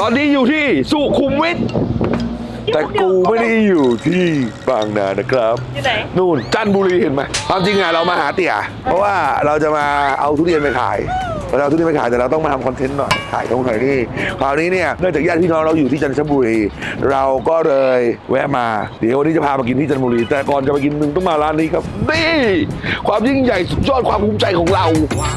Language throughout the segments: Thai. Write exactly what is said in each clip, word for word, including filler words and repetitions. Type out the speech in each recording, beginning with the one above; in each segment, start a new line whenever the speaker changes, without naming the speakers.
อนนี้อยู่ที่สุขุมวิทแต่กูไม่ได้อยู่ที่บางนานะครับอยู่ไหนนู่นจันทบุรีเห็นไหมความจริงอะเรามาหาเตี่ยเพราะว่าเราจะมาเอาทุเรียนไปขายเราเอาทุเรียนไปขายแต่เราต้องมาทำคอนเทนต์หน่อยถ่ายตรงไหนนี่คราวนี้เนี่ยเนื่องจากญาติพี่น้องเราอยู่ที่จันทบุรีเราก็เลยแวะมาเดี๋ยววันนี้จะพามากินที่จันทบุรีแต่ก่อนจะไปกินมึงต้องมาร้านนี้ครับนี่ความยิ่งใหญ่สุดยอดความภูมิใจของเรา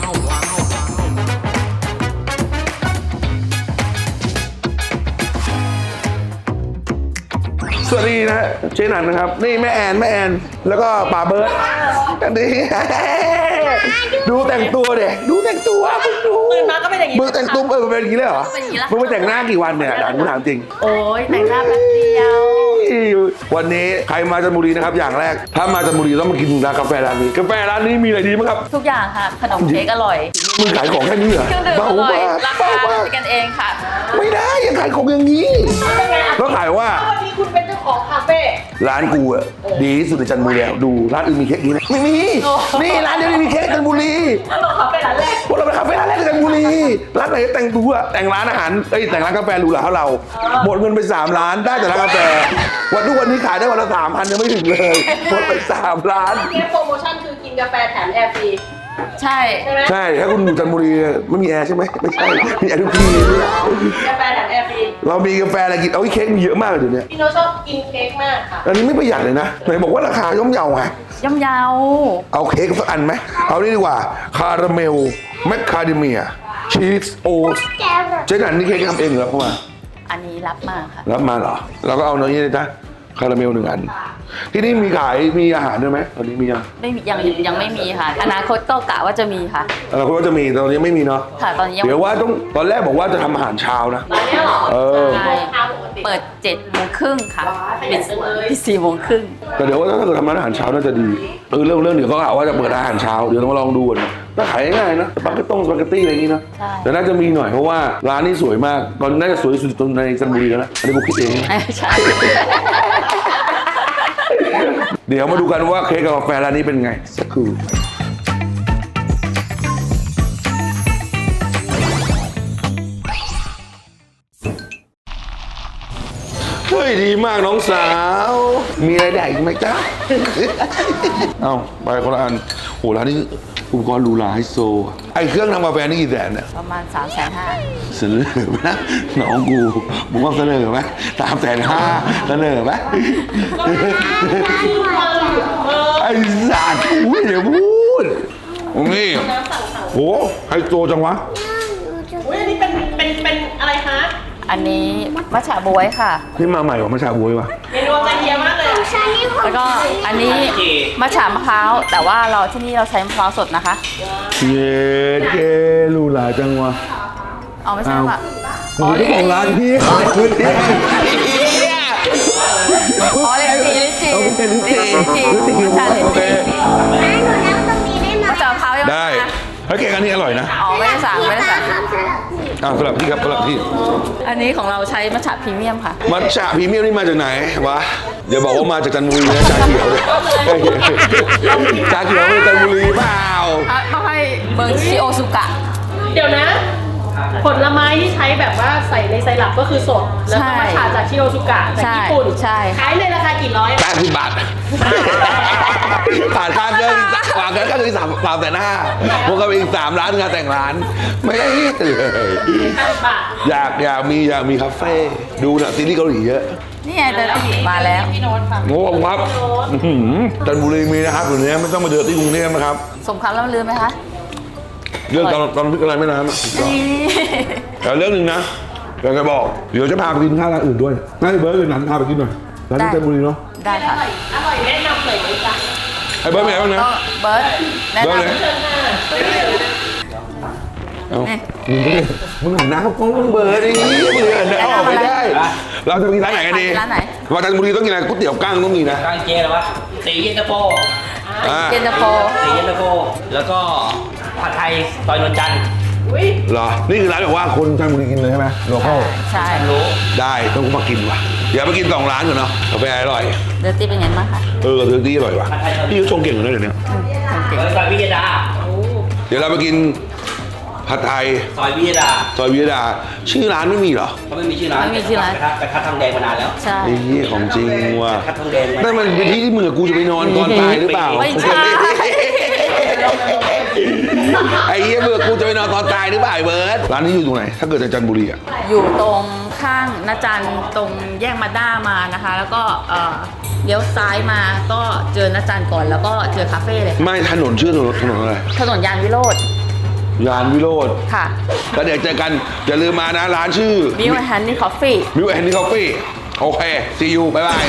สวัสดีนะเจนันนะครับนี่แม่แอนแม่แอนแล้วก็ป่าเบิร์ดกันดีดูแต่งตัวเด็กดูแต่งตัวมึงดูตื่นมาก็เป็นอย่างนี้มึงแต่งตุ้มเออเป็นอย่างนี้เลยเหรอมึงไปแต่งหน้ากี่วันเนี่ยด่านกูถามจริง
โอ้ยแต่งหน้าแป๊บเดียว
วันนี้ใครมาจันทบุรีนะครับอย่างแรกถ้ามาจันทบุรีต้องมากินร้านกาแฟร้านนี้กาแฟร้านนี้มีอะไรดีมั้งครับ
ทุกอย่างค่ะขนมเค้กอร่อย
มึงขายของแค่นี้เหรอ
เครื่องดื่มอร่อยราคาเป็นกันเองค่ะ
ไม่ได้ยังขายของอย่างนี้แล้วขายว่า
วันนี้คุณเป็นเจ้าของคาเฟ่
ร้านกูอะดีที่สุดในจันทบุรีดูร้านอื่นมีเค้กนี้ไหมไม่มีนี่ร้านเดียวที่มีเค้กจันทบุรี
เราคาเฟ่ร้านแรก
พวกเราไปคาเฟ่ร้านแรกในจันทบุรีร้านไหนแต่งตัวแต่งร้านอาหารเอ้ยแต่งร้านกาแฟหรูหราเท่าเราหมดเงินไปสามล้านได้แต่ร้านกาแฟวันทุกวันนี้ขายได้วันละสามพันยังไม่ถึงเลยหมดไปสามล้าน
เค้กโปรโมชั่นคือกินกาแฟแถมแอร์ฟรี
ใช่
ใช่ถ้าคุณอยู่จันทบุรีไม่มีแอร์ใช่ไหมไม่ใช่มีแอร์ทุกที่
กาแฟแถมแอร์ฟรี
เรามีกาแฟอะไรกินเอาเค้กมีเยอะมากเลยเดี๋ยวนี้
พี่โน้ตชอบกินเค้กมากค่ะ
อันนี้ไม่ประหยัดเลยนะไหนบอกว่าราคาย่อมเยาไง
ย่อมเยา
เอาเค้กสักอันไหมเอานี่ดีกว่าคาราเมลแมคคาเดเมียชีสโอ๊ตเจ๊นันนี่เค้กทำเองเหรอเข้ามา
อันนี้รับมาค่ะ
รับมาเหรอเราก็เอาเนื้อนี่เลยจ้ะคาราเมลหนึ่งอันที่นี่มีขายมีอาหารด้วยไหมตอนนี้มียัง
ไม่มียังยังไม่มีค่ะอนาคตก็กะว่าจะมีค่ะ
อนาคตว่าจะมีตอนนี้ไม่มีเนาะ
ค่ะตอนนี้
เดี๋ยวว่าต้องตอนแรกบอกว่าจะทำอาหารเช้านะ
ตอนนี้หรอ
เออ
เปิดเจ็ดโมงครึ่งค่ะปิดสี่โมงครึ่ง
แต่เดี๋ยวว่าถ้าเกิดทำร้านอาหารเช้าน่าจะดีเออเรื่องเรื่องเดี๋ยวเขากะว่าจะเปิดอาหารเช้าเดี๋ยวต้องมาลองดูกันน่าขายง่ายนะสปาเกตต้งสปาเกตตี้อะไรอย่างนี้นะแต่น่าจะมีหน่อยเพราะว่าร้านนี้สวยมากตอนน่าจะสวยที่สุดในจันทบุรีแล้วนะอันนี้ผมคิดเอง
ใช่
เดี๋ยวมาดูกันว่าเค้กกับกาแฟร้านนี้เป็นไงสักครู่เฮ้ยดีมากน้องสาวมีอะไรแดกอีกไหมจ๊ะเอาไปคนละอันโหร้านนี้อุปกรณ์หรูหราไฮโซไอเครื่องทำกาแฟนี่กี่แสนเนี่ย
ประมาณสามแสนห้า
เสนอไหมนะน้องกูมึงว่าเสนอไหมสามแสนห้าเสนอไหมไอ้สัตว์กูไม่ได้พูดนี่โหไฮโซจังวะ
อุ้ยอันนี้เป็นเป็นเป็นอะไรคะ
อันนี้มัทฉะบ๊วยค่ะ
นี่มาใหม่กว่ามัทฉะบ๊วยวะ
เมนูใจเฮียมากเลย
แล้วก็อันนี้มัทฉะมะพร้าวแต่ว่าเราที่นี่เราใช้มะพร้าวสดนะคะ
เย้เกลูหลาจังวะ
เอาไม่ใช่ค่ะ
อ๋อที่ของร้านพี่
อ๋อเลยจีเลยจี
เลยจี
มัทฉะเลยจีมัทฉะมะพร้าวยัง
ได้เฮ้ยเค้กอันนี้อร่อยนะ
อ๋อไม่ได้สั่งไม่ได้สั่ง
อ้าวสำหรับพี่ครับสำหรับพี่
อันนี้ของเราใช้มัทฉะพรีเมียมค่ะ
มัทฉะพรีเมียมนี่มาจากไหนวะเดี๋ยวบอกว่ามาจากจันทบุรีนะชาเขียวเลยชาเขียวมาจากจันทบุรีเปล่า
เขาให้เมืองชิโอซุกะ
เดี๋ยวนะผลไม้ที่ใช้แบบว่าใส่ในไซรัปก็คือสดแล้วก็มัทฉะจากชิโอซุกะจากญี่ปุ่น
ใช่
ขายในราคากี่ร้อย
แปดสิบบาทผ่านค่าเกินผ่านค่าเกินสามสามแต่หน้าพวกเขาอีกสามร้านงานแต่งร้านไม่ได้เลยอยากอยากมีอยากมีคาเฟ่ดูนะซีรีส์เกาหลีเยอะ
นี่ไงเดินมาแล้ว
พี่โน้ตค่ะ
โอ้ครับจันทบุรีมีนะครับอยู่นี้ไม่ต้องมาเดินที่กรุงเทพนะครับ
สมคำล่ำลือไหมคะ
เรื่องตอนตอนพิจารณาไม่นานแต่เรื่องหนึ่งนะอยากจะบอกเดี๋ยวจะพาไปกินข้าวร้านอื่นด้วยน่าจะเบิร์ดเลยนั้นพาไปกินหน่อยร้านที่จันทบุรีเนาะ
ได้ค่ะ
อร่อยแนะนำเลยจ้ะ
ไอ้เบิร์ดเป็นไงบ้างนะ
เบิร์ดแนะนำ
เอามึงหันหน้าเขากล้องมึงเบิร์ดดิมึงหันหน้าออกไม่ได้เราจะไปกินร้านไหนกันดี
ร้านไหน
ว่าจันทบุรีต้องกินอะไรก๋วยเตี๋ยวกั้งต้องมีนะ
กั้งเจ๊หรอวะตีเย็นตาโฟ
เย็นตาโฟ
ตีเย็นตาโฟแล้วก็ผัดไทยซอยนนจันทร์
เหรอนี่คือร้านแบบว่าคนจันทบุรีกินเลยใช่ไหมโลคอล
ใช่
รู้
ได้ต้องมากินว่ะเดี๋ยวไปกินสองร้านก่อนเนาะกาแฟอร่อย
เดอร์ตี้เป็นไงบ้างคะ
เออเดอร์ตี้อร่อยว่ะพี่เขาชงเก่งเลยเดี๋ยวนี้
ซอยพิยดา
เดี๋ยวเราไปกินผัดไทย
ซอยวิทยาดา
ซอยวิทยาชื่อร้านไม่มีเหรอ
เขาไม่มีชื่อร้าน
ไม่มีชื่อร้าน
กระทะกระทะทองแดงมานานแล้ว
ใช่
ไอ้เหี้ยของจริงว่ะ
กระทะทองแดง
นั่นมันเป็นที่ที่มึงกับกูจะไปนอนตอนตายหรือเปล่า
ไม่ใช่
ไอ้เหี้ยมึงกับกูจะไปนอนตอนตายหรือเปล่าไอ้เบิร์ดร้านนี้อยู่ตรงไหนถ้าเกิดในจันทบุรีอ่ะ
อยู่ตรงข้างนาจันตรงแยกมาด้ามานะคะ แล้วก็เอ่อเลี้ยวซ้ายมาก็เจอนาจันก่อนแล้วก็เจอคาเฟ่เลย
ไม่ถนนชื่อถนนถนนอะไร
ถนนยานวิโรธ
ยานวิโรธ
ค่ะ
แล้วเดี๋ยวเจอกันอย่าลืมมานะร้านชื่อ
บิวแฮนนี่คอฟฟี่
มิวแอนนี่คอฟฟี่โอเค see you บ๊ายบาย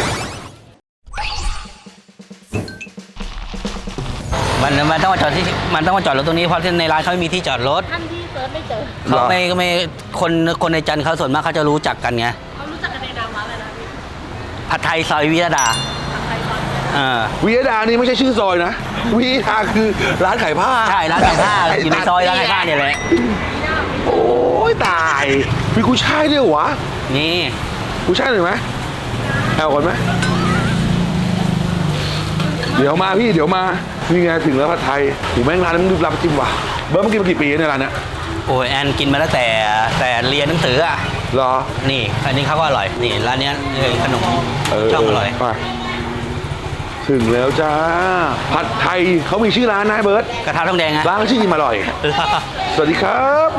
มันมันต้องมาจอดที่มันต้องมาจอดรถตรงนี้เพราะที่ในร้านเขาไม่มีที่จอดรถ
ท่านที่เซิร์ชไม่เจอ
เขาไม่ก็ไม่คนคนในจันทร์เขาส่วนมากเขาจะรู้จักกันไง
เขารู้จักกันในนามร้านอะไรนะพี่
ผัดไทยซอยวิทยาดา
ใครบ้าง
อ่า
วิยดานี่ไม่ใช่ชื่อซอยนะวิยดาคือร้านขายผ้า
ใช่ร้านขายผ้าอยู่ในซอยร้านขายผ้าเนี่ยแหละ
โอ้ยตายมีกุ้ยช่ายด้วยเหรอวะ
นี่
กุ้ยช่ายหน่อยไหมเอาก่อนไหมเดี๋ยวมาพี่เดี๋ยวมานี่ไงถึงแล้วผัดไทยหูแม่งร้านนี้มันดูรับจิ้มว่ะเบิร์ดเมื่อกี้มากี่ปีในยร้านเนี้ย
โอ้ยแอนกินมาตั้งแต่แต่เรียนหนังสืออ่ะ
เหรอ
นี่อันนี้เขาก็อร่อยนี่ร้านเนี้ยเลยขนมช่องอร่อย
ไปถึงแล้วจ้าผัดไทยเขามีชื่อร้านนะเบิร์ด
กระทะทองแดงไง
ร้านเขาชื่ออิ่มอร่อย สวัสดีครับ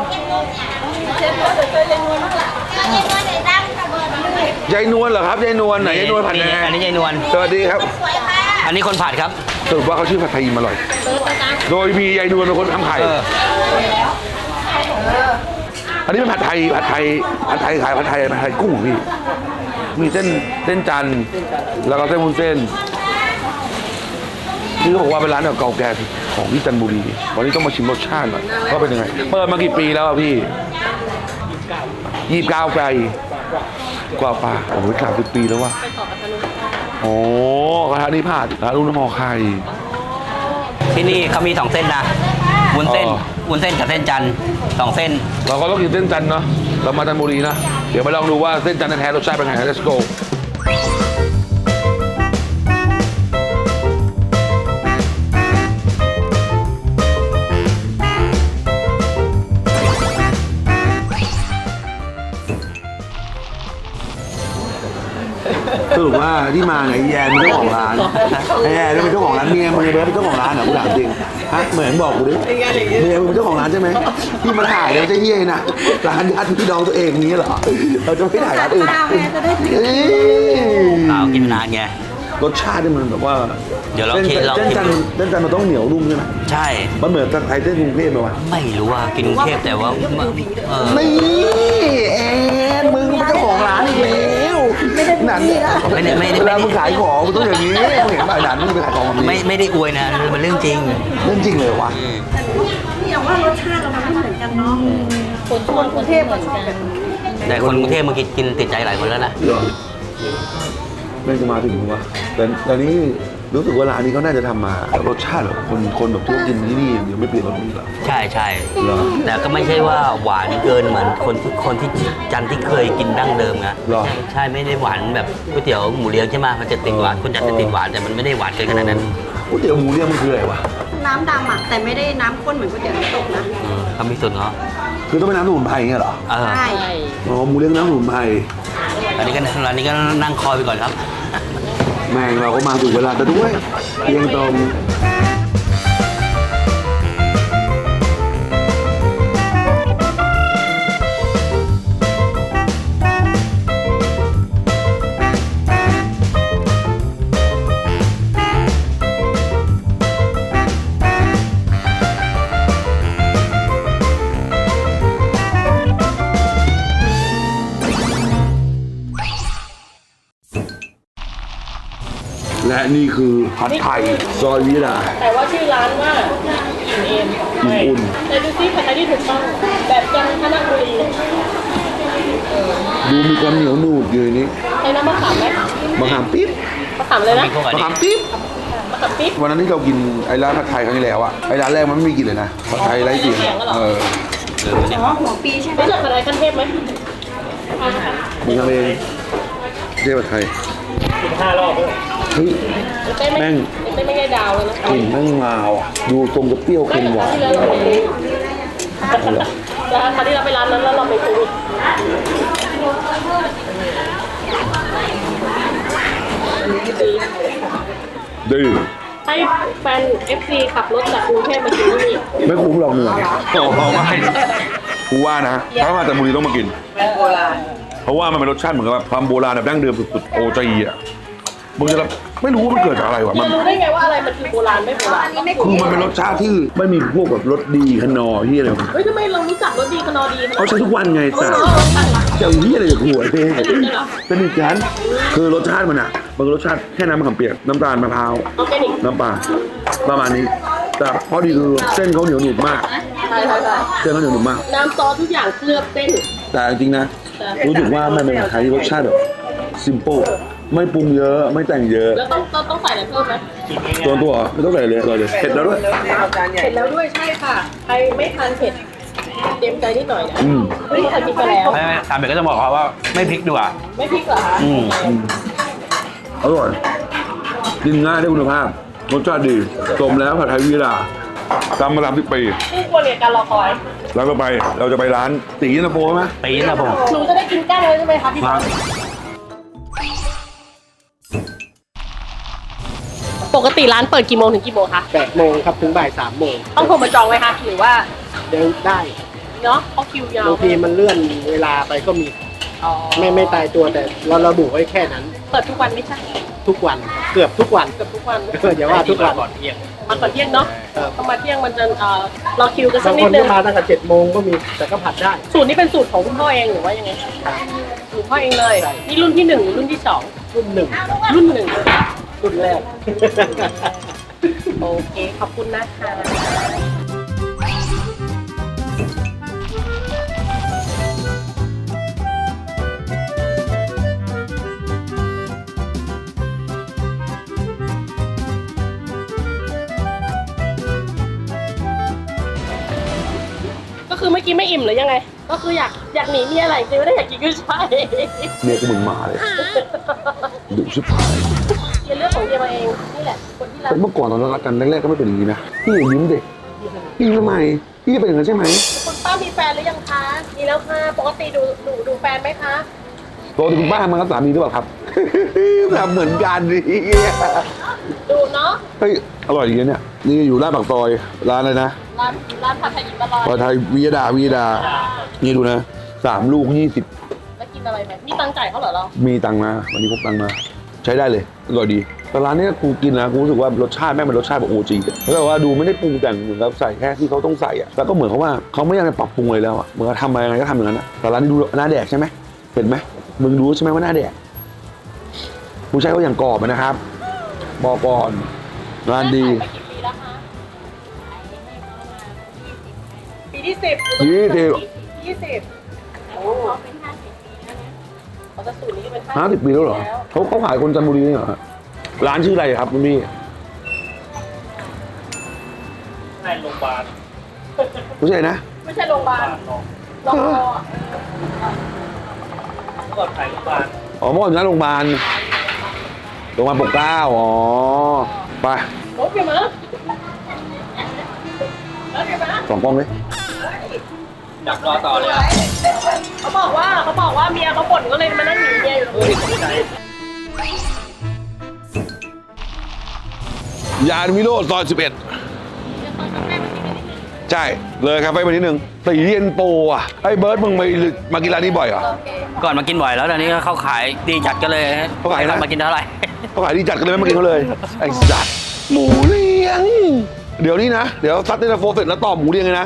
ยายนวลเหรอครับยายนวลไหนยายนวลผัดแดง
อันนี้ยายนวล
สวัสดีครับ
อันนี้คนผัดครับ
สรุปว่าเขาชื่อผัดไทยอิ่มอร่อย โดยมียายนวลเป็นคนทำไข่
เออ
อันนี้เป็นผัดไทยผัดไทยผัดไทยขายผัดไทยผัดไทยกุ้งพี่มีเส้นเส้นจันทร์แล้วก็เส้นวุ้นเส้นนี่เขาบอกว่าเป็นร้านเก่าแก่ของที่จันทบุรีวันนี้ต้องมาชิมรสชาติหน่อยว่าเป็นยังไงเปิดมากี่ปีแล้วอะพี่ยี่สิบเก้าปีกว่าป่ะโอ้โหสามสิบปีแล้วว่ะโอ้กระทะนี่ผัดร้านลุงน้ำมอไข่
ที่นี่เขามีสองเส้นนะวุ้นเส้น
อ๋อ
วุ้นเส้นกับเส้นจันทร์สองเส้น
เราก็ต้องกินเส้นจันทร์เนาะเรามาจันทบุรีนะเดี๋ยวมาลองดูว่าเส้นจันทร์แท้ๆรสชาติเป็นไง let's go สรุปว่าที่มาไหนแยนเป็นเจ้าของร้านไอ้แยนเป็นเจ้าของร้านเมียมึงไอ้เบิร์ดเป็นเจ้าของร้านเหรอกูถามจริงฮะเหมือนบอกกูดิเมียมึงเป็นเจ้าของร้านใช่ไหมที่มาถ่ายเนี่ยไม่ใช่เฮียนะร้านญาติพี่น้องตัวเองนี้เหรอเราจะไม่ถ่ายร้านอื่นเอ้ย
เอากินนานไง
รสชาตินี่มันแบบว่า
เดี๋ยวลอง
ส้น
ชิมลอง
เส้น
ชิม
จันทร์เส้นจันทร์มันต้องเหนียวนุ่มใช่ไหม
ใช่
มันเหมือนจันทร์ไทยเส้นกรุงเทพไหมวะ
ไม่รู้ว่ากินกรุงเทพแต่ว่าเออ
นี่แอนมึงเป็นเจ้าของร้านอีกแล้วนั่น
ไม่ได้ไม่ได้
เว
ไม่
ลา
ได้
มึงขายของมึงต้องอย่างนี้มึงเห็นป่ะไอ้หนานมึงไปขายของแบบนี้
ไม่ไม่ได้อวยนะมันเรื่องจริง
เรื่องจริงเลยวะ
อย่างว่ารสชาติเรามันไม่เหมือนกันเนาะคนคนกรุงเทพเหมือนกัน
แต่คนกรุงเทพเมื่อกี้กินติดใจหลายคนแล้วนะ
เหรอไม่จะมาถึงวะแต่ตอนนี้รู้สึกว่าร้านนี้เขาน่าจะทำมารสชาติแบบคนคนแบบที่กินที่นี่เดี๋ยวไม่เปลี่ยนรสนี้หรอ
ใช่ใช่
เหรอ
แต่ก็ไม่ใช่ว่าหวานเกินเหมือนคนที่คนที่จันทร์ที่เคยกินดั้งเดิมนะ
เหรอ
ใช่ไม่ได้หวานแบบก๋วยเตี๋ยวหมูเลี้ยงใช่ไหมมันจะติดหวานคนจันทร์จะติดหวานแต่มันไม่ได้หวานเกินขนาดนั้น
ก๋วยเตี๋ยวหมูเนี่ยมันคืออะไรวะ
น้ำดำอ่ะแต่ไม่ได้น้ำข้นเหมือนก๋วยเตี๋ยวน้ำตกนะ
อืมเขามีส่วนเนาะ
คือต้องเป็นน้ำสมุนไพรอย่างเงี้ยเหรอ
เออ
ใช่
อ๋อหมูเลี้ยงน้ำสมุนไพร
อันนี้ก็อันนี้ก็นั่งคอยไปก่อนครับ
แม่งเราก็มาถูกเวลาแต่ด้วยเพียงตรง และนี่คือผัดไทยซอยวิลา
แต่ว่าชื่อร้านว่าอิ่มเอม
อิ่มอุ่น
แต่ดูซิผัดไทยที่ถูกต้องแบบจันทบุรี
ดูมีความเหนียวหนูดอยู่ในนี้
ใช้น้ำมะขามไหม
มะขามปิ๊บ
มะขามเลยนะ
มีพวกอัน
มะ
นี้
ขามปิ๊บ
มะขามปิ๊บ
วันนั้นที่เรากินไอ้ร้านผัดไทยครั้งที่แล้วอะไอ้ร้านแรกมันไม่มีกลิ่นเลยนะผัดไทยไร้กลิ่นเออ
เออเนี่ย
อ๋อหัวปีใช่ไหม
รู้จักผัดไทยขั้นเทพไหม
มึงทำเองเจ๊ผัดไทย
ห้ารอบเลย
เฮ้ย
เต้นไม่
แม่ง
เต้นไม่ได้ดาวเลยนะ
กลิ่นแม่งมาว่ะดูตรงกับเปรี้ยวเค็มหวาน
ที่แล้วเราไปคราวที่เราไปร้านนั้นแล้วเราไปโควิด
ดี
ให้แฟน เอฟ ซี ขับรถจากกรุงเทพมากินที่นี่
ไม่คุ้มหรอกเหนื่อยโอ้โหไม่กูว่านะถ้ามาจากบุรีต้องมากินเพราะว่ามันเป็นรสชาติเหมือนกับแบบความโบราณแบบดั้งเดิมสุดๆโอจีอ่ะมึงจะแบบไม่รู้ว่ามันเกิดจากอะไรวะมัน
จะรู้ได้ไงว่าอะไรมันคือโบราณไม่โบราณ
คือมันเป็นรสชาติที่ไม่มีพวกแบบรสดีขนอที่อะไร
เฮ้ยทำไมเรารู้จักรสดีขนอดีขนาด
เขาใช้ทุกวันไง
เอ
แต่
อเออใช่ค่ะ
เจ้าที่อะไรกับหัวเท่
สนิทกันเหรอ
สนิทกันคือรสชาติมันอ่ะมันก็รสชาติแค่น้ำมะขามเปียกน้ำตาลมะพร้าว
ออร์แกนิก
น้ำปลาประมาณนี้แต่ข้อดีคือเส้นเขาเหนียวหนึบมาก
ใช่ใช่ใช่
เส้นเขาเหนียวหนึบมาก
น้ำซอสทุกอย่างเคลือบเส้น
แต่จริงๆนะรู้สึกว่ามันเป็นอาหารที่รสชาติแบบซิมเปิลไม่ปรุงเยอะไม่แต่งเยอะ
แล้วต้องต้องต้องใส่อะไรเพิ่มไหม
ตัวตัวไม่ต้องใส่เลยเลยเลยเผ็ดแล้วด้วย
เผ็ดแล้วด้วยใช่ค่ะ ใครไม่ทานเผ็ดเตรียมใจนิดหน่อยนะ
อืม
ไม่ได้ทานพริกไปแล้ว
ไม่ไม่ทำเบ็ดก็จะบอกเขาว่าไม่พริกดีกว่า
ไม่พริกเหรอคะ
อืม
อร่อยกินง่ายได้คุณภาพรสชาติดีสมแล้วผัดไทยวีราทำมาสามสิบปี
คู่ควรเรียนการรอคอย
แล้วก็ไปเราจะไปร้านตียินตาโฟไหม
ปีนะผม
หนูจะได้กินก้างเลยใช่ไหมคะพี่
มา
ปกติร้านเปิดกี่โมงถึงกี่โมงคะ
แปดโมงครับถึงบ่ายสามโมง
ต้องโทรมาจองไหมคะหรือว่า
เดินได้
เนาะเพราะคิวยาว
บางทีมันเลื่อนเวลาไปก็มี
อ๋อ
ไม่ไม่ตายตัวแต่เราระบุไว้แค่นั้น
เปิดทุกวันไม่ใช่
ทุกวันเกือบทุกวัน
เกือบทุกวัน
เอออย่าว่าทุกวัน
มาก่อนเที่ยงเนาะ
ครับ
ต้องมาเที่ยงมันจะเอ่อรอคิวกันสั
บาก ง
นิ
ค
ด
น
นึ
ก็
ง
มาตั้งแต่เจ็ดโมงก็มีแต่ก็ผัดได้
สูตรนี้เป็นสูตรของคุณพ่อเองหรือว่ายังไงสูตรพ่อเองเลยนี่รุ่นที่หนึ่งหรือรุ่นที่สอง
รุ่นหนึ่ง
รุ่นหนึ่ง
รุ่นแรก
โอเคขอบคุณนะคะ ก็คือเมื่อกี้ไม่อิ่มหรือยังไง ก็คืออยากอยากหนีเมียอะไรจริงไม่ได้อยากกินกุ้ยช่าย
เมียกูเหมือนหมาเลยดุชิบหาย
เฮียเลือกของเฮียมาเองนี่แหละคนที่รัก
แต่เมื่อก่อนตอนเรารักกันแรกๆก็ไม่เป็นอย่างนี้นะพี่อย่ายิ้มเด็กพี่ยิ้มทำไมพี่จะเป็นอย่างนั้นใช่ไหม
คุณป้ามีแฟนหรือยังคะมีแล้วค่ะปกติดูดูดูแฟนไหมคะ
ปกติคุณป้ามากับสามีหรือเปล่าครับ ทำเหมือนกันดิ
ดูเนาะ
เฮ้ยอร่อยจริงๆเนี่ยนี่อยู่ร้านปากซอยร้านอะไรนะ
ร้านร้านผัดไทยหญิงตลอด
ผัดไทยวิยดาวิยดานี่ดูนะสามลูกยี่สิบ
แล้วกินอะไรไหมมีตังค์จ่ายเขาเหรอเรา
มีตังค์มาวันนี้พกตังค์มาใช้ได้เลยอร่อยดีแต่ร้านเนี้ยกูกินนะกูรู้สึกว่ารสชาติแม่งเป็นรสชาติแบบโอจีแล้วแบบว่าดูไม่ได้ปรุงแต่งเหมือนกับใส่แค่ที่เขาต้องใส่อะแล้วก็เหมือนเขาว่าเขาไม่อยากจะปรับปรุงเลยแล้วอะเหมือนกับทำอะไรยังไงก็ทำอย่างนั้นอะแต่ร้านนี้ดูหน้าแดกใช่ไหมเห็นไหมมึงรู้ใช่ไหมว่าหน้าแดกกูใช้เขาอย่างกรอบอะนะครับบอกก่อนร้านดี
ไปกี่ปีแล้วคะปีที่สิบ
ยี่สิบ
ยี่สิบโอ้เป็นห้าสิบปีแล้วนะเขาจะสูตรนี้ก็เป็น
ห้าสิบปีแล้วเหรอเขาเขาขายคนจันทบุรีนี่เหรอฮะร้านชื่ออะไรครับคุณพี่
ในโรงพยาบาล
ไม่ใช่นะ
ไม่ใช่โรงพยาบาลโรงพยาบาล
เมื่อก่อนขายโรงพยาบาล
อ๋อเมื่อก่อนอยู่หน้าโรงพยาบาลโรงพยาบาลปกเกล้าอ๋อไป
โอเคไหมโอเคไหม
สองกล้องเลย
ดักรอต่อเลย
เขาบอกว่าเขาบอกว่าเมียเขาบ่นก็เลยมานั่งหนีเมียอยู่ตรงนี้
ยานวิโรจน์ซอยสิบเอ็ดใช่เลยครับไปมานิดนึงตีเย็นโปอ่ะไอ้เบิร์ดมึงมามากินร้านนี้บ่อยเหรอ
ก่อนมากินบ่อยแล้วตอนนี้ก็เข้าขายดีจัดก็เลย
เขาขายนะ
ไม่มากินเท่าไหร่
เขาขายดีจัดกันเลยไม่มากินเขาเลยไอ้สัตว์หมูเลี้ยงเดี๋ยวนี้นะเดี๋ยวซัดเตนโฟเสร็จแล้วต่อหมูเลี้ยงเลยนะ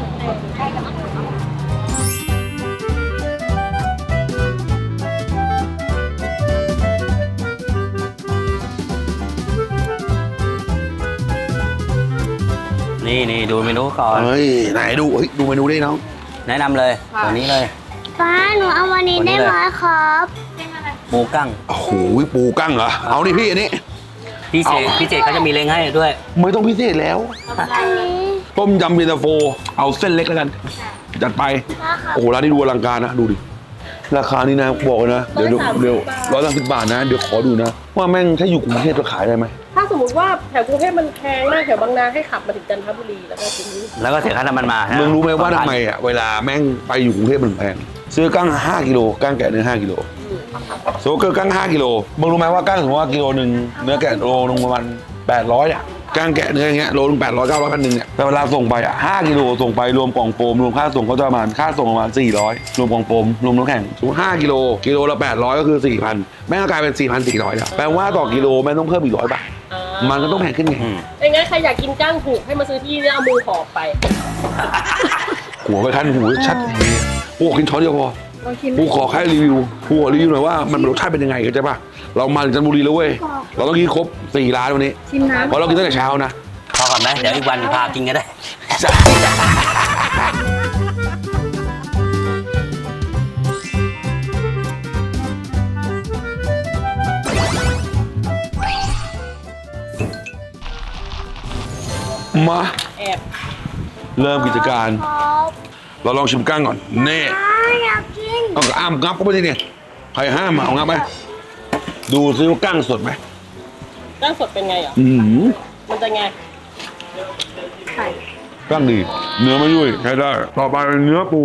นี่นี่ดูเมนูก่อน
เฮ้ยไหนดูเฮ้ยดูเมนูได้น้อง
แนะนำเลยตัวนี้เลย
ป้าหนูเอาวันนี้ได้ไหมครับ
หมูกั้ง
โอ้โหปูกั้งเหรอเอาดิพี่อันนี้
พิเศษพิเศษเขาจะมีเล้งให้ด้วย
ไม่ต้องพิเศษแล้ว
อันนี้
ต้มยำเย็นตาโฟเอาเส้นเล็กแล้วกันจัดไปโอ้โหร้านนี้ดูอลังการนะดูดิราคานี้นะบอกเลยนะเดี๋ยวเดี๋ยวเดี๋ยวร้อยสามสิบบาทนะเดี๋ยวขอดูนะว่าแม่งถ้าอยู่กรุงเทพจะขายได้ไหม
ถ้าสมมมติว่าแถวกรุงเทพมันแพงมากแถวบางนาให้ขับมาถึงจันทบุรีแล้วก็ถึงนี้
แล้วก็เสียค่าน้ำมันมา
มึงรู้ไหมว่าทำไมอ่ะเวลาแม่งไปอยู่กรุงเทพมันแพงซื้อกั้งห้ากิโลกั้งแกะเนื้อห้ากิโลโซเกอร์กั้งห้ากิโลมึงรู้ไหมว่ากั้งสมมติว่ากิโลหนึ่งเนื้อแกะโลนึงประมาณแปดร้อยอ่ะกั้งแกะเนื้ออย่างเงี้ยโลนึงแปดร้อยเก้าร้อยพันหนึ่งเนี่ยแต่เวลาส่งไปอ่ะห้ากิโลส่งไปรวมกล่องโฟมรวมค่าส่งก็จะประมาณค่าส่งประมาณสี่ร้อยรวมกล่องโฟมรวมน้ำแข็งสมมติห้ากิโลกิโลละแปดร้อยก็คือสี่พันแม่งก็กลายเป็นสี่พันสี่ร้อยแล้วแปลว่าต่อกิโลแม่งต้องเพิ่มอีกร้อยบาทมันก็ต้องแพงขึ้นไง
ไอ้งั้นใครอยากกินก้างถูกให้มาซื้อที่เนี่ยเอามือหอบไป
หัวไปคันหูชัดอย่างนี้กูขอกินช้อนเดียวพอ
ลองชิม
กูขอแค่รีวิวกูขอรีวิวหน่อยว่ามันรสชาติเป็นยังไงเข้าใจป่ะเรามาถึงจันทบุรีแล้วเว้ยเราต้องกินครบสี่ร้านวันนี้
ชิมน้ำ
เพราะเรากินตั้งแต่เช้านะ
พอก่อนไหมเดี๋ยวอีกวันพากินก็ได้
มา
แอบ
เริ่มกิจการ
ครับ
เราลองชิมกั้งก่อนเน่
อยากกิน
เอาอ้ามงับก็ไม่ได้เนี่ยใครห้ามมาเอางับไหมดูซิว่ากั้งสดไหม
ก้างสดเป็นไงอ่ะ
อืม
มันจะไง
กั้งดีเนื้อไม่ยุ่ยใช้ได้ต่อไปเป็นเนื้อปู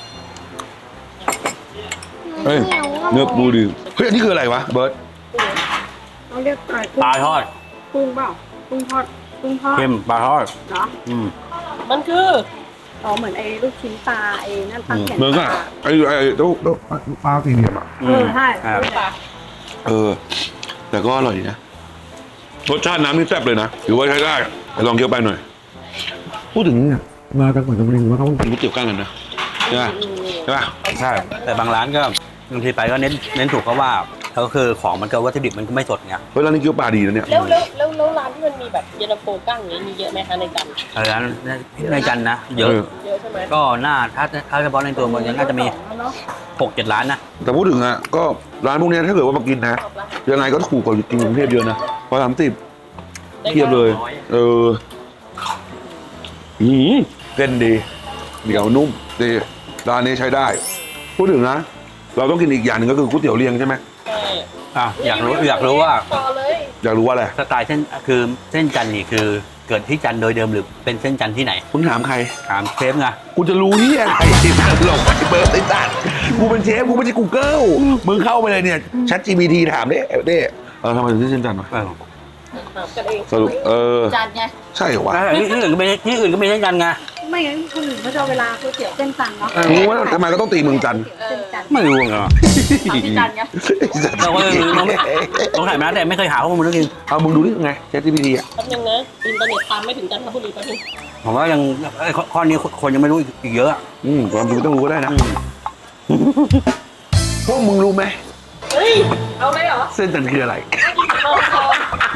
เฮ้ยเนื้อปูดีเฮ้ยอันนี้คืออะไรวะเบิร์ต
เราเรียกอะไร
ปลาทอด
กุ้งเปล่ากุ้งทอดกุ้งทอด
เค็มปลาทอด
เหรอ
อืม
มันคือ
อ๋อเหมือนไอ้ลูกชิ้นปลาไอ้นั่นปลาแข็ง
เหมือนกันไอ้ไอ้ตู้ตู้ปลาตีเหลี่ยมอ่ะ
เออใช่
ครับ
ปลา
เออ แต่ก็อร่อยดีนะรสชาติน้ำนี่แซ่บเลยนะถือว่าใช้ได้ไปลองเคี้ยวไปหน่อย พูดถึงเนี่ยมาจากจังหวัดจันทบุรีว่าเขากินก๋วยเตี๋ยวกั้งกันนะใช่ไหมใช่ปะ
ใช่แต่บางร้านก็บางทีไปก็เน้นเน้นถูกเพราะว่าก็คือของมันก็วัตถุดิบมันก็ไม่สดไง
เฮ้ยร้านนี้เกี๊ยวปลาดีนะเนี่ย
แล้วแล้วแล้วแล้วร้านที่มันมีแบบเย็นตาโฟกั้งอย่างนี้มีเยอะไหมคะในจันทร์
เออร้านในจันทร์นะเยอะ
เยอะใช่ไหม
ก็น่าถ้าถ้าเฉพาะในตัวเมืองยังน่าจะมีหกเจ็ดร้านนะ
แต่พูดถึงอ่ะก็ร้านพวกเนี้ยถ้าเกิดว่ามากินนะยังไงก็ถูกกว่ากินกรุงเทพเยอะนะพอสามสิบเทียบเลย เอออืมเส้นดีเหนียวนุ่มดีร้านนี้ใช้ได้ พูดถึงนะ เราต้องกินอีกอย่างหนึ่งก็คือก๋วยเตี๋ยวเรียงใช่ไหม
ใช่
อ่ะอยากรู้อยากรู้ว่า
ต่อเลย
อยากรู้ว่าอะไร
สไตล์เส้นคือเส้นจันทร์นี่คือเกิดที่จันทร์โดยเดิมหรือเป็นเส้นจันทร์ที่ไหน
มึงถามใคร
ถามเชฟไง
กูจะรู้ที่อะไรหลงไปเบิร์ดไอ้สัตว์กูเป็นเชฟกูไม่ใช่กูเกิลมึงเข้าไปเลยเนี่ยชัด จี พี ที ถามเด้เด้เออทำไมถึงที่เส้นจันทร์วะ
เออ
ถามกันเอง
สรุปเออ
จานไง
ใช่เหรอวะ
ที่อื่นก็ไม่ที่อื่นก็ไม่เส้นจันทร์ไง
ไม่งั้นคนอื่นเขาจะเอาเวลาก๋วยเตี๋ยวเส้นจันทร์เนาะ
มึงว่าทำไมก็ต้องตีเมืองจันทร์
เส้นจันทร์
ไม่รู้ไง
ถามพี่จันไง
เราก็น้องน้องถ่ายมาแต่ไม่เคยหาข้อมูลเรื่องนี้
เอามึงดูนี่ไงชัด จี พี ที อ่ะ
แป๊บนึงนะอินเทอร์เน็ตตามไม่ถึงจันทบุรีแป๊บนึง
ผมว่ายังไอ้ข้อข้อนี้คนยังไม่รู้อีกเยอะ
อืมความจริงต้องรู้ก็ได้นะพวกมึงรู้ไหม
เฮ้ยเอาเลยเหรอ
เส้นจันทร์คืออะไร
ลองลอง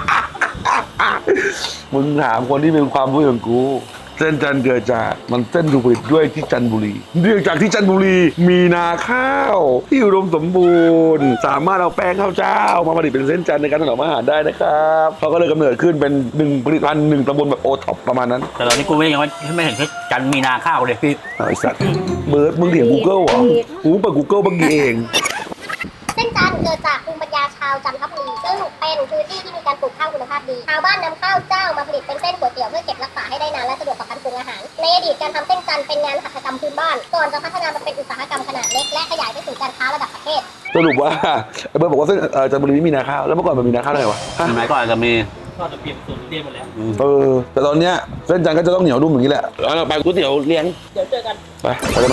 มึงถามคนที่มีความรู้อย่างกู เส้นจันทร์เกิดจากมันเส้นถูกผลิตด้วยที่จันทบุรีเนื่องจากที่จันทบุรีมีนาข้าวที่อุดมสมบูรณ์ สามารถเอาแป้งข้าวเจ้ามาผลิตเป็นเส้นจันทร์ในการถนอมอาหารได้นะครับเขาก็เลยกำเนิดขึ้นเป็นหนึ่งผลิตภัณฑ์หนึ่งตำบลแบบโอท็อปประมาณนั้น
แต่ตอนนี้กูไม่ยังไม่ไม่เห็นจันทร์มีนาข้าวเลยพี่
เอาไอ้สัตว์เบิร์ดมึงเถียง Google เหรอกูเปิด Google เมื่อกี้เอง
เส้นจันทร์เกิดจากภูมิปัญญาชาวจันทบุรีซึ่งเป็นพื้นที่ที่มีการปลูกข้าวคุณภาพดี ชาวบ้านนำข้าวเจ้ามาผลิตเป็นเส้นก๋วยเตี๋ยวเพื่อเก็บรักษาให้ได้นานและสะดวกต่อการปรุงอาหาร ในอดีตการทำเส้นจันทร์เป็นงานหัตถกรรมพื้นบ้าน ก่อนจะพัฒนามาเป็นอุตสาหกรรมขนาดเล็กและขยายไปสู่การค้าระดับประเทศ
สรุปว่าไอ้เบิร์ดบอกว่าเส้นเอ่อจันทบุรีไม่มีนาข้าวแล้วเมื่อก่อนมันมีนาข้าวได้ไงวะฮะ
สมัยก่อนจะมี
ทอดจะเปลี่ยนสูตรเรียบไปแล้ว
เออแต่ตอนเนี้ยเส้นจันทร์ก็จะต้องเหนียวนุ่มอย่างนี้แหละแล้วเราไปก๋วยเตี๋ยวเลี้ยง
เดี๋ยวเจอกัน
ไปไปเลยไหม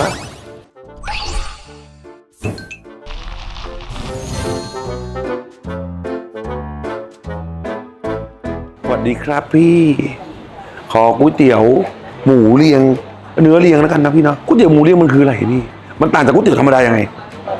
สวัสดีครับพี่ ขอก๋วยเตี๋ยวหมูเรียง เนื้อเรียงแล้วกันนะพี่เนาะก๋วยเตี๋ยวหมูเรียงมันคืออะไรพี่มันต่างจากก๋วยเตี๋ยวธรรมดายังไง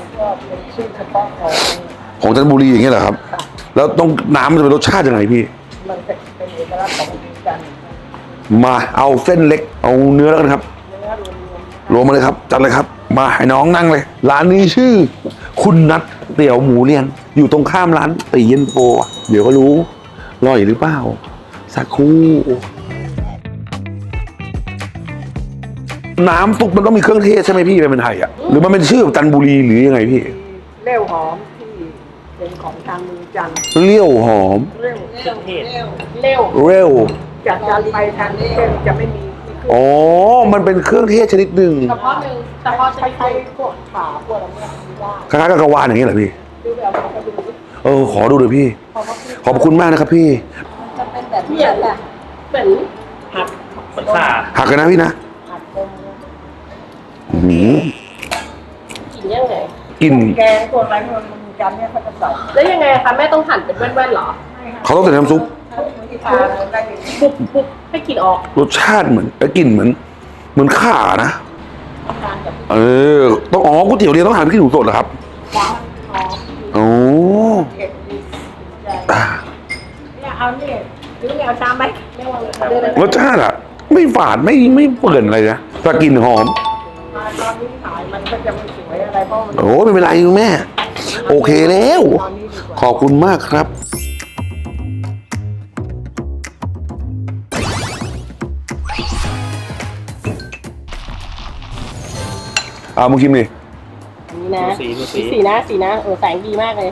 ของจันทบุรีอย่างเงี้ยเหรอครับ แล้วต้องน้ำมันจะเป็นรสชาติยังไงพี่มันเป็นเอกลักษณ์ของจันทร์มาเอาเส้นเล็กเอาเนื้อแล้วกันครับรวมมาเลยครับจัดเลยครับ มาให้น้องนั่งเลย ร้านนี้ชื่อ คุณนัทเตี๋ยวหมูเรียง อยู่ตรงข้ามร้านตีเย็นโฟอะเดี๋ยวก็รู้อร่อยหรือเปล่าสักครู่น้ำซุปมันต้องมีเครื่องเทศใช่ไหมพี่เป็นไทยอ่ะหรือมันเป็นชื่อจันทบุรีหรือยังไงพี่
เร็วหอมที่เด็
เป็นของทางเมืองจันทร์
เลี้ยวหอม
เร็ว
เครื่องเทศ
เร็ว
เร็ว
จากจันทร์ไปทางนี้จะไม่มีมีเครื่อง
อ๋อ มันเป็นเครื่องเทศชนิดหนึ่ง
เฉพาะหนึ่งเฉพาะชนิด
ใช้
หนึ่ง
พวกขาพวกอะไรพวกนี้ได้
คล้ายๆกับกระวานอย่างนี้เหรอพี่
ดูแบบเราไปดู
เออ ขอดูเลยพี่ ขอบคุณมากนะครับพี่
จะเป็นแบบนี้แหละ
เหมือน
หัก
เหมือนข่า
หักกันนะพี่นะ
หักตรง
อื้อหือ
กินยังไง
กลิ่น
แกงพวกอะไรพวกเมืองจันทร์เนี่ยเขาจะใส่
แล้วยังไงคะแม่ต้องหั่นเป็นแว่นๆเหรอ
เขาต้องใส่น้ำซุป
ที่ทาได้ดี
ปุ๊บปุ๊บให้กลินออก
รสชาติเหมือนไอ้กลิ่นเหมือน เหมือนข่านะ
ทานกับ
เออ ต้องอ๋อก๋วยเตี๋ยวเรียนต้องทานพริกขี้หนูสดเหรอครับ
หวานหอม
โอ้
เผ็ดดีใจ
อ่า
เนี่ยเอาเนี่ยหรือเอาชามไหมไม่ว่าเลย
รสชาติอะไม่ฝาดไม่ไม่เปื่อนอะไรนะแต่กลิ่นหอม
มาตอนนี้ขายมันก็จะไม่สวยอะไรเพราะมัน
โอ้ไม่เป็นไรคุณแม่ โอเคแล้ว
ตอนนี้ดีกว่า
ขอบคุณมากครับ เอามึงชิมดิ
อันนี้นะ
สีดูสี
สีนะสีนะเออแสงดีมากเลย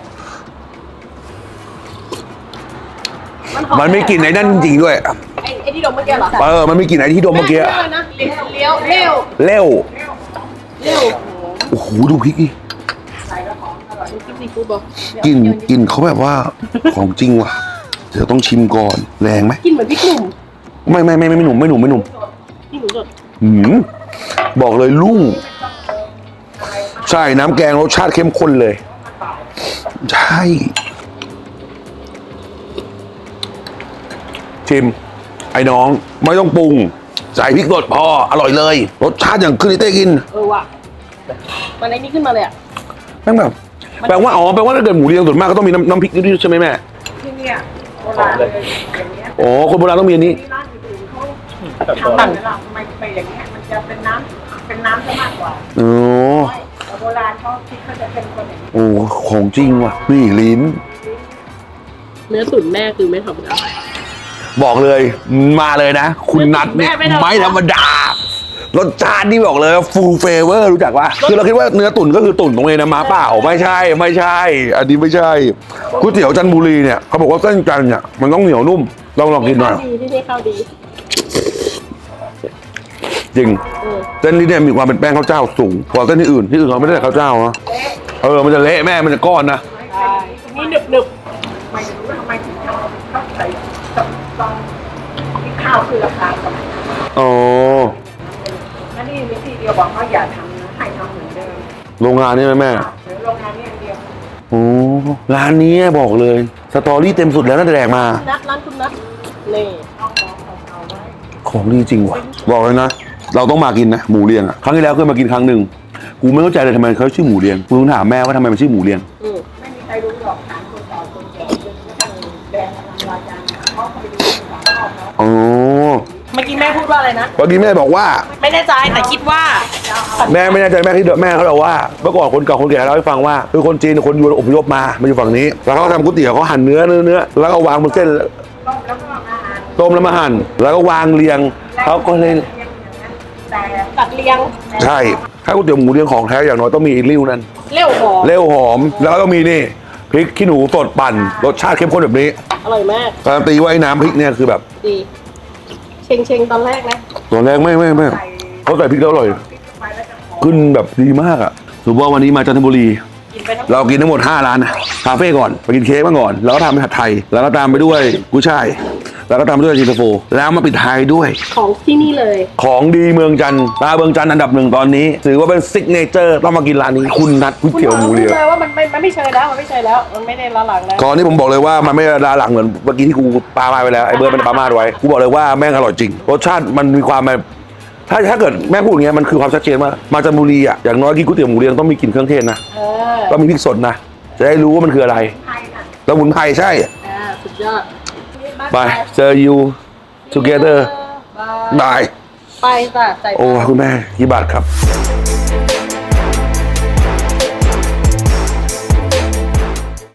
มันไม่กลิ่นไอ้นั่นจริงๆด้วย
ไอ้ไอ้ที่ดมเมื่อกี้เหรอ
เออ มันไม่กลิ่นไอ้ที่ดมเมื่อกี้
แเลยนะเลี้ยวเลี้ยวเร็ว
เร็ว
เร็ว
โอ้โห ดูพริกดิ
ดูคลิปซีฟู้ดบอก
กลิ่นกลิ่นเขาแบบว่า ของจริงว่ะ เดี๋ยวต้องชิมก่อน แรงไหม
กินเหมือนพริกหนุ่ม
ไม่ไม่ไม่ไม่หนุ่มไม่หนุ่มไม่หนุ่ม
พริกหนุ่มสด
หืมบอกเลยลุ่งใช่น้ำแกงรสชาติเข้มข้นเลย ใช่ ชิม ไอ้น้องไม่ต้องปรุง ใส่พริกสดพออร่อยเลย รสชาติอย่างขึ้นที่เต้กิน
เออว่ะมันไอ้นี่ขึ้นมาเลยอ่ะ
แม่งแบบแปลว่าอ๋อแปลว่าถ้าเกิดหมูเรียงส่วนมากก็ต้องมีน้ำน้ำพริกนี่ใช่ไหมแม่
ที่เนี่ยโบราณเลยอย่างเงี้ย
อ๋อคนโบราณต้องมีอันนี้
ที่ร้านอื่นๆเขาทำเวลาไม่ไปอย่างเงี้ยมันจะเป็นน้ำเป็นน้ำซะมากกว่า
อ๋อ
แต่โบราณเขาคิดเขาจะเป็นคนอย่างนี้
โอ้ของจริงว่ะนี่ลิ้น
เนื้อตุ๋นแม่คือไม่ธรรมดา
บอกเลยมาเลยนะ คุณนัทเนี่ย
แม่ไม่ธรรมดา
ไม่ธรรมดารสชาตินี่บอกเลยฟูลเฟเวอร์รู้จักปะคือเราคิดว่าเนื้อตุ๋นก็คือตุ๋นตรงนี้นะมาเปล่าไม่ใช่ไม่ใช่ อันนี้ไม่ใช่ก๋วยเตี๋ยวจันทบุรีเนี่ยเขาบอกว่าเส้นจันทร์เนี่ยมันต้องเหนียวนุ่มลองลองกินหน่อย
ข้าวดีที่นี่ข้าวดี
จริง
เออ
เส้นนี้เนี่ยมีความเป็นแป้งข้าวเจ้าสูงกว่าเส้นที่อื่นที่อื่นเขาไม่ได้ใส่ข้าวเจ้านะเออมันจะเละแม่มันจะก้อนนะ
นี่หนึบหนึบ
ไม่รู้ว่าทำไมถึงทำเขาใส่ตอนที่ข้าวคือราคาสมัยนั้น
อ๋อ
แล้วนี่วิธีเดียวบอกว่าอย่าทำนะให้ทำเหมือนเดิม
โรงงานนี่ไหมแม่
หรือโรงงานนี้อย่างเดียว
โอ้ร้านนี้บอกเลยสตอรี่เต็มสุดแล้วน่าจะแดกมา
นัดร้านคุณนัดนี่
ของดีจริงว่ะบอกเลยนะเราต้องมากินนะหมูเรียงอ่ะครั้งที่แล้วเคยมากินครั้งหนึ่งกูไม่เข้าใจเลยทำไมเขาชื่อหมูเรียงกูต้องถามแม่ว่าทำไมมันชื่อหมูเรียง
อืม
ไม่มีใครรู้หรอกถามคนเก่าคนแก่จนกระทั่งแดงกำลังรายการเขาเคยดูสามรอบแล้ว
อ๋อ
เมื่อกี้แม่พูดว่าอะไรนะ
เมื่อกี้แม่บอกว่า
ไม่แน่ใจแต่คิดว่า
แม่ไม่แน่ใจแม่ที่แม่เขาบอกว่าเมื่อก่อนคนเก่าคนแก่เล่าให้ฟังว่าคือคนจีนคนยวนอพยพมามาอยู่ฝั่งนี้ แล้วเขาทำก๋วยเตี๋ยวเขาหั่นเนื้อเนื้อเนื้อแล้วก็วางบนเส้น
ต้มแล้วก็มาหั่น
ต้มแล้วมาหั่นแล้วก็วางเรียงเขาก็เลย
เรียงอย่างนั้นแต่
ตัดเรียง
ใช่ถ้าก๋วยเตี๋ยวหมูเรียงของแท้อย่างน้อยต้องมีไอ้ริ้วนั่น
เร็วหอม
เร็วหอมแล้วก็ต้องมีนี่พริกขี้หนูสดปั่นรสชาติเข้มข้นแบบนี้
อร่อยมาก
การันตีว่าไอ้น้ำพริกเนี่ยคือแบบ
ดีเชงเชงๆตอนแรกนะ
ตอนแรกไม่ไม่ไม่เขาใส่พริกแล้วอร่อยขึ้นแบบดีมากอ่ะสมมติว่าวันนี้มาจันทบุรี
กินไปทั้ง
เรากินทั้งหมดห้าร้านนะคาเฟ่ก่อนไปกินเค้กมาก่อน แล้วก็ทำเป็นผัดไทย แล้วก็ตามไปด้วยกุ้ยช่ายแล้วก็ตามไปด้วยเย็นตาโฟแล้วมาปิดท้ายด้วย
ของที่นี่เลย
ของดีเมืองจันทร์ตาเมืองจันทร์อันดับหนึ่งตอนนี้ถือว่าเป็นซิกเนเจอร์ต้องมากินร้านนี้คุณนัดก๋วย
คุณ
เตี๋ยวหมูเรียง
เลยว่ามันไม่มันไม่เชยแล้วมันไม่เชยแล้วมันไม่ได้ละหลังแล้ว
ก่อนนี้ผมบอกเลยว่ามันไม่ดาหลังเหมือนเมื่อกี้ที่กูปามาไปแล้วไอ้เบิร์ดมันปามาไว้กูบอกเลยว่าแม่งอร่อยจริงรสชาติมันมีความแบบถ้าถ้าเกิดแม่พูดอย่างเงี้ยมันคือความชัดเจนว่ามาจันทบุรีอ่ะอย่างน้อยกินก๋วยเตี๋ยวหมูเรียงต้องมีกลิ่นเครื่องเทศนะ
เออ
ต้องมีพริกสดนะจะได้รู้ว่ามันคืออะไรแล้วหมุนไพรใช่
อ่าสุดยอด
ไปเจอ you together
บาย
บาย
ไปจ้ะใส่
โอ้คุณแม่กี่บาทครับ